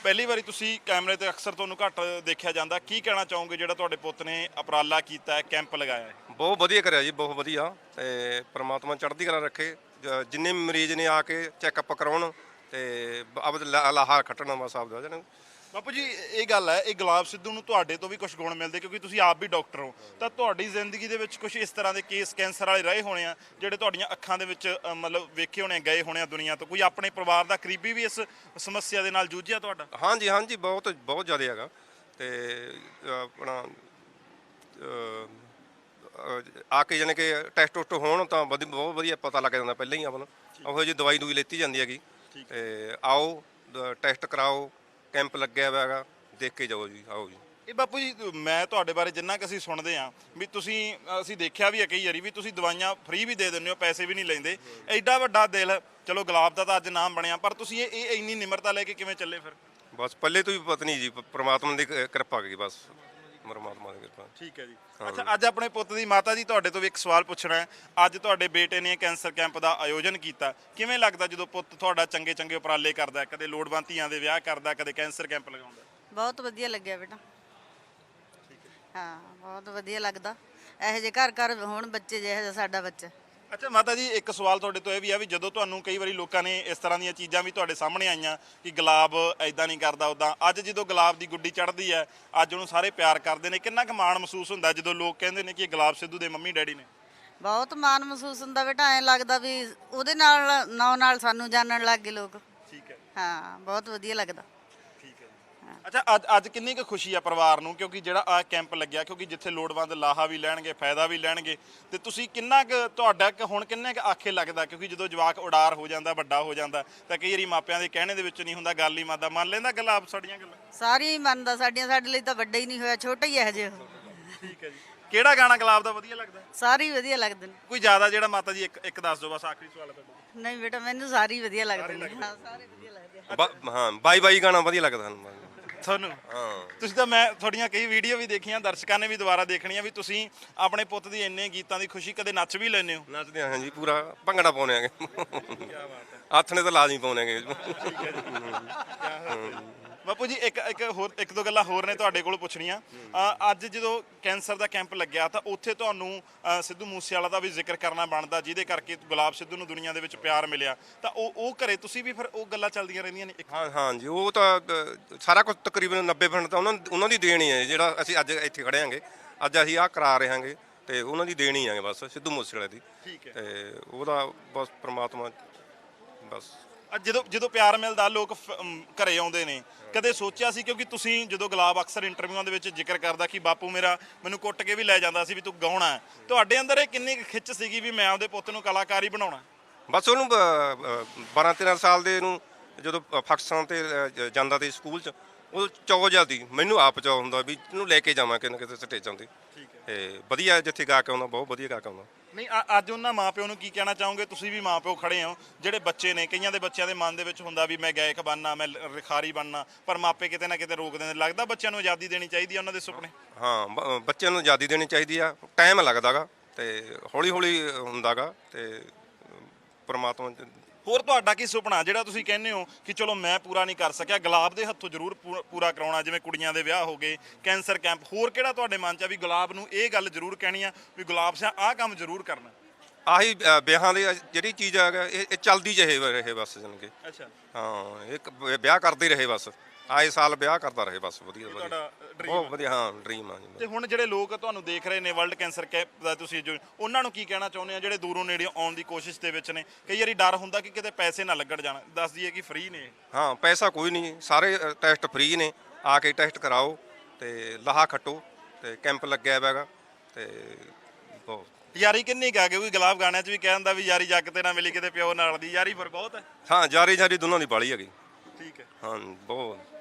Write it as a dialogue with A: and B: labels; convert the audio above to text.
A: ਪਹਿਲੀ ਵਾਰੀ ਤੁਸੀਂ ਕੈਮਰੇ ਤੇ ਅਕਸਰ ਤੁਹਾਨੂੰ ਘੱਟ ਦੇਖਿਆ ਜਾਂਦਾ, ਕੀ ਕਹਿਣਾ ਚਾਹੋਗੇ ਜਿਹੜਾ ਤੁਹਾਡੇ ਪੁੱਤ ਨੇ ਉਪਰਾਲਾ ਕੀਤਾ ਹੈ, ਕੈਂਪ ਲਗਾਇਆ ਹੈ?
B: ਬਹੁਤ ਵਧੀਆ ਕਰਿਆ ਜੀ, ਬਹੁਤ ਵਧੀਆ। ਤੇ ਪ੍ਰਮਾਤਮਾ ਚੜ੍ਹਦੀ ਕਲਾ ਰੱਖੇ। ਜਿੰਨੇ ਵੀ ਮਰੀਜ਼ ਨੇ ਆ ਕੇ ਚੈੱਕਅਪ ਕਰਾਉਣ ਤੇ ਆਪ ਲਾਹਾ ਖੱਟਣਾ ਬਸ ਆਪਦਾ ਜਨ।
A: ਬਾਪੂ ਜੀ ਇਹ ਗੱਲ ਹੈ, ਇਹ ਗੁਲਾਬ ਸਿੱਧੂ ਨੂੰ ਤੁਹਾਡੇ ਤੋਂ ਵੀ ਕੁਝ ਗੁਣ ਮਿਲਦੇ ਕਿਉਂਕਿ ਤੁਸੀਂ ਆਪ ਵੀ ਡਾਕਟਰ ਹੋ, ਤਾਂ ਤੁਹਾਡੀ ਜ਼ਿੰਦਗੀ ਦੇ ਵਿੱਚ ਕੁਝ ਇਸ ਤਰ੍ਹਾਂ ਦੇ ਕੇਸ ਕੈਂਸਰ ਵਾਲੇ ਰਹੇ ਹੋਣੇ ਆ ਜਿਹੜੇ ਤੁਹਾਡੀਆਂ ਅੱਖਾਂ ਦੇ ਵਿੱਚ ਮਤਲਬ ਵੇਖੇ ਹੋਣੇ, ਗਏ ਹੋਣੇ ਆ ਦੁਨੀਆ ਤੋਂ? ਕੋਈ ਆਪਣੇ ਪਰਿਵਾਰ ਦਾ ਕਰੀਬੀ ਵੀ ਇਸ ਸਮੱਸਿਆ ਦੇ ਨਾਲ ਜੂਝਿਆ ਤੁਹਾਡਾ?
B: ਹਾਂਜੀ ਹਾਂਜੀ, ਬਹੁਤ ਬਹੁਤ ਜ਼ਿਆਦਾ ਹੈਗਾ। ਤੇ ਆਪਣਾ ਆ ਕੇ ਜਾਣੀ ਕਿ ਟੈਸਟ ਟੁਸਟ ਹੋਣ ਤਾਂ ਬਹੁਤ ਵਧੀਆ ਪਤਾ ਲੱਗ ਜਾਂਦਾ ਪਹਿਲਾਂ ਹੀ ਆਪਾਂ ਨੂੰ। ਉਹੋ ਜਿਹੀ ਦਵਾਈ ਦੂਈ ਲੈਤੀ ਜਾਂਦੀ ਹੈਗੀ। ਤੇ ਆਓ ਟੈਸਟ ਕਰਾਓ, ਕੈਂਪ ਲੱਗਿਆ ਹੋਇਆ ਹੈਗਾ, ਦੇਖ ਕੇ ਜਾਓ ਜੀ, ਆਓ ਜੀ।
A: ਇਹ ਬਾਪੂ ਜੀ ਮੈਂ ਤੁਹਾਡੇ ਬਾਰੇ ਜਿੰਨਾ ਕਿ ਅਸੀਂ ਸੁਣਦੇ ਹਾਂ ਵੀ ਤੁਸੀਂ, ਅਸੀਂ ਦੇਖਿਆ ਵੀ ਹੈ ਕਈ ਵਾਰੀ ਵੀ ਤੁਸੀਂ ਦਵਾਈਆਂ ਫ੍ਰੀ ਵੀ ਦੇ ਦਿੰਦੇ ਹੋ, ਪੈਸੇ ਵੀ ਨਹੀਂ ਲੈਂਦੇ। ਐਡਾ ਵੱਡਾ ਦਿਲ, ਚਲੋ ਗੁਲਾਬ ਦਾ ਤਾਂ ਅੱਜ ਨਾਮ ਬਣਿਆ, ਪਰ ਤੁਸੀਂ ਇਹ ਇੰਨੀ ਨਿਮਰਤਾ ਲੈ ਕੇ ਕਿਵੇਂ ਚੱਲੇ ਫਿਰ?
B: ਬਸ ਪੱਲੇ ਤੋਂ ਹੀ ਪਤਾ ਨਹੀਂ ਜੀ, ਪਰਮਾਤਮਾ ਦੀ ਕਿਰਪਾ ਹੈਗੀ ਬਸ, ਪਰਮਾਤਮਾ ਦੀ ਕਿਰਪਾ।
A: ਠੀਕ ਹੈ ਜੀ। ਅੱਛਾ, ਅੱਜ ਆਪਣੇ ਪੁੱਤ ਦੀ ਮਾਤਾ ਜੀ ਤੁਹਾਡੇ ਤੋਂ ਵੀ ਇੱਕ ਸਵਾਲ ਪੁੱਛਣਾ ਹੈ। ਅੱਜ ਤੁਹਾਡੇ ਬੇਟੇ ਨੇ ਕੈਂਸਰ ਕੈਂਪ ਦਾ ਆਯੋਜਨ ਕੀਤਾ, ਕਿਵੇਂ ਲੱਗਦਾ ਜਦੋਂ ਪੁੱਤ ਤੁਹਾਡਾ ਚੰਗੇ ਚੰਗੇ ਉਪਰਾਲੇ ਕਰਦਾ, ਕਦੇ ਲੋੜਵੰਦ ਧੀਆਂ ਦੇ ਵਿਆਹ ਕਰਦਾ, ਕਦੇ ਕੈਂਸਰ ਕੈਂਪ ਲਗਾਉਂਦਾ?
C: ਬਹੁਤ ਵਧੀਆ ਲੱਗਿਆ ਬੇਟਾ। ਹਾਂ, ਬਹੁਤ ਵਧੀਆ ਲੱਗਦਾ। ਇਹੋ ਜਿਹੇ ਘਰ ਘਰ ਹੋਣ ਬੱਚੇ, ਜਿਹੋ ਜਿਹਾ ਸਾਡਾ ਬੱਚਾ।
A: ਅੱਛਾ ਮਾਤਾ ਜੀ, ਇੱਕ ਸਵਾਲ ਤੁਹਾਡੇ ਤੋਂ ਇਹ ਵੀ ਆ ਵੀ ਜਦੋਂ ਤੁਹਾਨੂੰ ਕਈ ਵਾਰੀ ਲੋਕਾਂ ਨੇ ਇਸ ਤਰ੍ਹਾਂ ਦੀਆਂ ਚੀਜ਼ਾਂ ਵੀ ਤੁਹਾਡੇ ਸਾਹਮਣੇ ਆਈਆਂ ਕਿ ਗੁਲਾਬ ਐਦਾਂ ਨਹੀਂ ਕਰਦਾ ਉੱਦਾਂ, ਅੱਜ ਜਦੋਂ ਗੁਲਾਬ ਦੀ ਗੁੱਡੀ ਚੜ੍ਹਦੀ ਹੈ, ਅੱਜ ਉਹਨੂੰ ਸਾਰੇ ਪਿਆਰ ਕਰਦੇ ਨੇ, ਕਿੰਨਾ ਕੁ ਮਾਣ ਮਹਿਸੂਸ ਹੁੰਦਾ ਜਦੋਂ ਲੋਕ ਕਹਿੰਦੇ ਨੇ ਕਿ ਇਹ ਗੁਲਾਬ ਸਿੱਧੂ ਦੇ ਮੰਮੀ ਡੈਡੀ ਨੇ?
C: ਬਹੁਤ ਮਾਣ ਮਹਿਸੂਸ ਹੁੰਦਾ ਬੇਟਾ। ਐਂ ਲੱਗਦਾ ਵੀ ਉਹਦੇ ਨਾਲ ਨਾਲ ਸਾਨੂੰ ਜਾਣਨ ਲੱਗ ਗਏ ਲੋਕ।
A: ਠੀਕ ਹੈ।
C: ਹਾਂ, ਬਹੁਤ ਵਧੀਆ ਲੱਗਦਾ।
A: ਠੀਕ ਹੈ ਜੀ। ਅੱਛਾ, ਅੱਜ ਕਿੰਨੀ ਕੁ ਖੁਸ਼ੀ ਆ ਪਰਿਵਾਰ ਨੂੰ, ਕਿਉਂਕਿ ਜਿਹੜਾ ਆ ਕੈਂਪ ਲੱਗਿਆ, ਕਿਉਂਕਿ ਜਿੱਥੇ ਲੋੜਵੰਦ ਲਾਹਾ ਵੀ ਲੈਣਗੇ, ਫਾਇਦਾ ਵੀ ਲੈਣਗੇ, ਤੇ ਤੁਸੀਂ ਕਿੰਨਾ ਕੁ ਤੁਹਾਡਾ ਹੁਣ ਕਿੰਨੇ ਕੁ ਆਖੇ ਲੱਗਦਾ? ਕਿਉਂਕਿ ਜਦੋਂ ਜਵਾਕ ਉਡਾਰ ਹੋ ਜਾਂਦਾ, ਵੱਡਾ ਹੋ ਜਾਂਦਾ, ਤਾਂ ਕਈ ਵਾਰੀ ਮਾਪਿਆਂ ਦੇ ਕਹਿਣੇ ਦੇ ਵਿੱਚ ਨਹੀਂ ਹੁੰਦਾ, ਗੱਲ ਹੀ ਮੰਨਦਾ, ਮੰਨ ਲੈਂਦਾ ਗੁਲਾਬ ਸਾਡੀਆਂ ਗੱਲਾਂ?
C: ਸਾਰੀਆਂ ਹੀ ਮੰਨਦਾ ਸਾਡੀਆਂ। ਸਾਡੇ ਲਈ ਤਾਂ ਵੱਡਾ ਹੀ ਨਹੀਂ ਹੋਇਆ, ਛੋਟਾ ਹੀ ਇਹੋ ਜਿਹਾ।
A: ਠੀਕ ਹੈ ਜੀ। ਕਿਹੜਾ ਗਾਣਾ ਗੁਲਾਬ ਦਾ ਵਧੀਆ ਲੱਗਦਾ?
C: ਸਾਰੇ ਹੀ ਵਧੀਆ ਲੱਗਦੇ ਨੇ।
A: ਕੋਈ ਜ਼ਿਆਦਾ ਜਿਹੜਾ ਮਾਤਾ ਜੀ ਇੱਕ ਦੱਸ ਦਿਓ, ਬਸ ਆਖਰੀ ਸਵਾਲ ਹੈ ਤੁਹਾਡਾ।
C: ਨਹੀਂ ਬੇਟਾ, ਮੈਨੂੰ ਸਾਰੇ ਹੀ ਵਧੀਆ ਲੱਗਦੇ ਨੇ। ਹਾਂ, ਸਾਰੇ ਵਧੀਆ ਲੱਗਦੇ ਆ।
B: ਹਾਂ, ਬਾਈ ਬਾਈ ਗਾਣਾ ਵਧੀਆ ਲੱਗਦਾ
A: ਤੁਹਾਨੂੰ?
B: ਹਾਂ।
A: ਤੁਸੀਂ ਤਾਂ, ਮੈਂ ਤੁਹਾਡੀਆਂ ਕਈ ਵੀਡੀਓ ਵੀ ਦੇਖੀਆਂ, ਦਰਸ਼ਕਾਂ ਨੇ ਵੀ ਦੁਬਾਰਾ ਦੇਖਣੀਆਂ, ਵੀ ਤੁਸੀਂ ਆਪਣੇ ਪੁੱਤ ਦੀ ਇੰਨੇ ਗੀਤਾਂ ਦੀ ਖੁਸ਼ੀ ਕਦੇ ਨੱਚ ਵੀ ਲੈਂਦੇ ਹੋ?
B: ਨੱਚਦੇ ਹਾਂ ਜੀ, ਪੂਰਾ ਭੰਗੜਾ ਪਾਉਂਦੇ ਆਂਗੇ।
A: ਕੀ ਬਾਤ ਹੈ।
B: ਹੱਥ ਨੇ ਤਾਂ ਲਾਜ਼ਮੀ ਪਾਉਂਦੇ ਆਂਗੇ।
A: ਠੀਕ ਹੈ ਜੀ। ਬਾਪੂ ਜੀ ਇੱਕ ਦੋ ਗੱਲਾਂ ਹੋਰ ਨੇ ਤੁਹਾਡੇ ਕੋਲ ਪੁੱਛਣੀਆਂ। ਅੱਜ ਜਦੋਂ ਕੈਂਸਰ ਦਾ ਕੈਂਪ ਲੱਗਿਆ ਤਾਂ ਉੱਥੇ ਤੁਹਾਨੂੰ ਸਿੱਧੂ ਮੂਸੇਵਾਲਾ ਦਾ ਵੀ ਜ਼ਿਕਰ ਕਰਨਾ ਬਣਦਾ, ਜਿਹਦੇ ਕਰਕੇ ਗੁਲਾਬ ਸਿੱਧੂ ਨੂੰ ਦੁਨੀਆ ਦੇ ਵਿੱਚ ਪਿਆਰ ਮਿਲਿਆ, ਤਾਂ ਉਹ ਘਰੇ ਤੁਸੀਂ ਵੀ ਫਿਰ ਉਹ ਗੱਲਾਂ ਚੱਲਦੀਆਂ ਰਹਿੰਦੀਆਂ ਨੇ?
B: ਹਾਂ ਹਾਂ ਜੀ, ਉਹ ਤਾਂ ਸਾਰਾ ਕੁਝ ਤਕਰੀਬਨ 90% ਤਾਂ ਉਹਨਾਂ ਦੀ ਦੇਣ ਹੀ ਹੈ। ਜਿਹੜਾ ਅਸੀਂ ਅੱਜ ਇੱਥੇ ਖੜੇ ਆਂਗੇ, ਅੱਜ ਅਸੀਂ ਆਹ ਕਰਾ ਰਹੇ ਹਾਂਗੇ, ਤੇ ਉਹਨਾਂ ਦੀ ਦੇਣ ਹੀ ਆਂਗੇ ਬਸ, ਸਿੱਧੂ ਮੂਸੇਵਾਲੇ ਦੀ।
A: ਠੀਕ ਹੈ।
B: ਤੇ ਉਹਦਾ ਬਸ ਪ੍ਰਮਾਤਮਾ ਬਸ।
A: ਜਦੋਂ ਪਿਆਰ ਮਿਲਦਾ, ਲੋਕ ਘਰੇ ਆਉਂਦੇ ਨੇ, ਕਦੇ ਸੋਚਿਆ ਸੀ? ਕਿਉਂਕਿ ਤੁਸੀਂ ਜਦੋਂ ਗੁਲਾਬ ਅਕਸਰ ਇੰਟਰਵਿਊਆਂ ਦੇ ਵਿੱਚ ਜ਼ਿਕਰ ਕਰਦਾ ਕਿ ਬਾਪੂ ਮੇਰਾ ਮੈਨੂੰ ਕੁੱਟ ਕੇ ਵੀ ਲੈ ਜਾਂਦਾ ਸੀ ਵੀ ਤੂੰ ਗਾਉਣਾ ਹੈ, ਤੁਹਾਡੇ ਅੰਦਰ ਇਹ ਕਿੰਨੀ ਖਿੱਚ ਸੀਗੀ ਵੀ ਮੈਂ ਆਪਦੇ ਪੁੱਤ ਨੂੰ ਕਲਾਕਾਰ ਹੀ ਬਣਾਉਣਾ?
B: ਬਸ ਉਹਨੂੰ 12-13 ਸਾਲ ਦੇ ਨੂੰ ਜਦੋਂ ਫੰਕਸ਼ਨਾਂ ਤੇ ਜਾਂਦਾ ਤੇ ਸਕੂਲ 'ਚ, ਉਹ ਚਾਅ ਜਾਂਦੀ, ਮੈਨੂੰ ਆਪ ਚਾਅ ਹੁੰਦਾ ਵੀ ਇਹਨੂੰ ਲੈ ਕੇ ਜਾਵਾਂ ਕਿਤੇ ਕਿਤੇ ਸਟੇਜਾਂ ਤੇ। ਤੇ ਵਧੀਆ ਜਿੱਥੇ ਗਾ ਕੇ ਆਉਂਦਾ, ਬਹੁਤ ਵਧੀਆ ਗਾ ਕੇ ਆਉਂਦਾ।
A: ਨਹੀਂ, ਅੱਜ ਉਹਨਾਂ ਮਾਪਿਓ ਨੂੰ ਕੀ ਕਹਿਣਾ ਚਾਹੋਗੇ? ਤੁਸੀਂ ਵੀ ਮਾਪਿਓ ਖੜੇ ਹੋ, ਜਿਹੜੇ ਬੱਚੇ ਨੇ, ਕਈਆਂ ਦੇ ਬੱਚਿਆਂ ਦੇ ਮਨ ਦੇ ਵਿੱਚ ਹੁੰਦਾ ਵੀ ਮੈਂ ਗਾਇਕ ਬਣਨਾ, ਮੈਂ ਰਿਖਾਰੀ ਬਣਨਾ, ਪਰ ਮਾਪੇ ਕਿਤੇ ਨਾ ਕਿਤੇ ਰੋਕਦੇ ਨੇ। ਲੱਗਦਾ ਬੱਚਿਆਂ ਨੂੰ ਆਜ਼ਾਦੀ ਦੇਣੀ ਚਾਹੀਦੀ ਆ ਉਹਨਾਂ ਦੇ ਸੁਪਨੇ?
B: ਹਾਂ, ਬੱਚਿਆਂ ਨੂੰ ਆਜ਼ਾਦੀ ਦੇਣੀ ਚਾਹੀਦੀ ਆ। ਟਾਈਮ ਲੱਗਦਾਗਾ ਤੇ ਹੌਲੀ ਹੌਲੀ ਹੁੰਦਾਗਾ, ਤੇ ਪ੍ਰਮਾਤਮਾ।
A: ਹੋਰ ਤੁਹਾਡਾ ਕੀ ਸੁਪਨਾ ਜਿਹੜਾ ਤੁਸੀਂ ਕਹਿੰਦੇ ਹੋ ਕਿ ਚਲੋ ਮੈਂ ਪੂਰਾ ਨਹੀਂ ਕਰ ਸਕਿਆ, ਗੁਲਾਬ ਦੇ ਹੱਥੋਂ ਜ਼ਰੂਰ ਪੂਰਾ ਕਰਾਉਣਾ? ਜਿਵੇਂ ਕੁੜੀਆਂ ਦੇ ਵਿਆਹ ਹੋ ਗਏ, ਕੈਂਸਰ ਕੈਂਪ, ਹੋਰ ਕਿਹੜਾ ਤੁਹਾਡੇ ਮਨ 'ਚ ਆ ਵੀ ਗੁਲਾਬ ਨੂੰ ਇਹ ਗੱਲ ਜ਼ਰੂਰ ਕਹਿਣੀ ਆ ਵੀ ਗੁਲਾਬ ਸਿਆ ਆਹ ਕੰਮ ਜ਼ਰੂਰ ਕਰਨਾ?
B: ਆਹੀ ਵਿਆਹਾਂ ਦੀ ਜਿਹੜੀ ਚੀਜ਼ ਹੈਗਾ, ਇਹ ਚੱਲਦੀ ਰਹੇ ਬਸ ਜਾਣੀ ਕਿ।
A: ਅੱਛਾ।
B: ਹਾਂ, ਇੱਕ ਵਿਆਹ ਕਰਦੇ ਰਹੇ ਬਸ, ਆਏ ਸਾਲ ਵਿਆਹ ਕਰਦਾ ਰਹੇ ਬਸ। ਵਧੀਆ ਵਧੀਆ,
A: ਤੁਹਾਡਾ
B: ਬਹੁਤ ਵਧੀਆ। ਹਾਂ, ਡ੍ਰੀਮ ਆ ਜੀ।
A: ਤੇ ਹੁਣ ਜਿਹੜੇ ਲੋਕ ਤੁਹਾਨੂੰ ਦੇਖ ਰਹੇ ਨੇ, ਵਰਲਡ ਕੈਂਸਰ ਕੈਂਪ ਦਾ ਤੁਸੀਂ ਜੋ, ਉਹਨਾਂ ਨੂੰ ਕੀ ਕਹਿਣਾ ਚਾਹੁੰਦੇ ਆ ਜਿਹੜੇ ਦੂਰੋਂ ਨੇੜੇ ਆਉਣ ਦੀ ਕੋਸ਼ਿਸ਼ ਦੇ ਵਿੱਚ ਨੇ? ਕਈ ਵਾਰੀ ਡਰ ਹੁੰਦਾ ਕਿ ਕਿਤੇ ਪੈਸੇ ਨਾ ਲੱਗਣ ਜਾਣ, ਦੱਸ ਦਈਏ ਕਿ ਫ੍ਰੀ ਨੇ?
B: ਹਾਂ, ਪੈਸਾ ਕੋਈ ਨਹੀਂ, ਸਾਰੇ ਟੈਸਟ ਫ੍ਰੀ ਨੇ। ਆ ਕੇ ਟੈਸਟ ਕਰਾਓ ਤੇ ਲਾਹਾ ਖੱਟੋ, ਤੇ ਕੈਂਪ ਲੱਗਿਆ ਹੈਗਾ। ਤੇ ਬਹੁਤ
A: ਯਾਰੀ ਕਿੰਨੀ ਕੁ ਆ? ਕਿਉਂਕਿ ਗੁਲਾਬ ਗਾਣਿਆਂ 'ਚ ਵੀ ਕਹਿ ਦਿੰਦਾ ਵੀ ਯਾਰੀ ਜੱਗ ਤੇ ਨਾ ਮਿਲੀ ਕਿਤੇ ਪਿਓ ਨਾਲ ਦੀ, ਯਾਰੀ ਫਿਰ ਬਹੁਤ ਹੈ।
B: ਹਾਂ, ਜਾਰੀ ਦੋਨਾਂ ਦੀ ਬਾਲੀ ਹੈਗੀ।
A: ਠੀਕ ਹੈ।
B: ਹਾਂ, ਬਹੁਤ।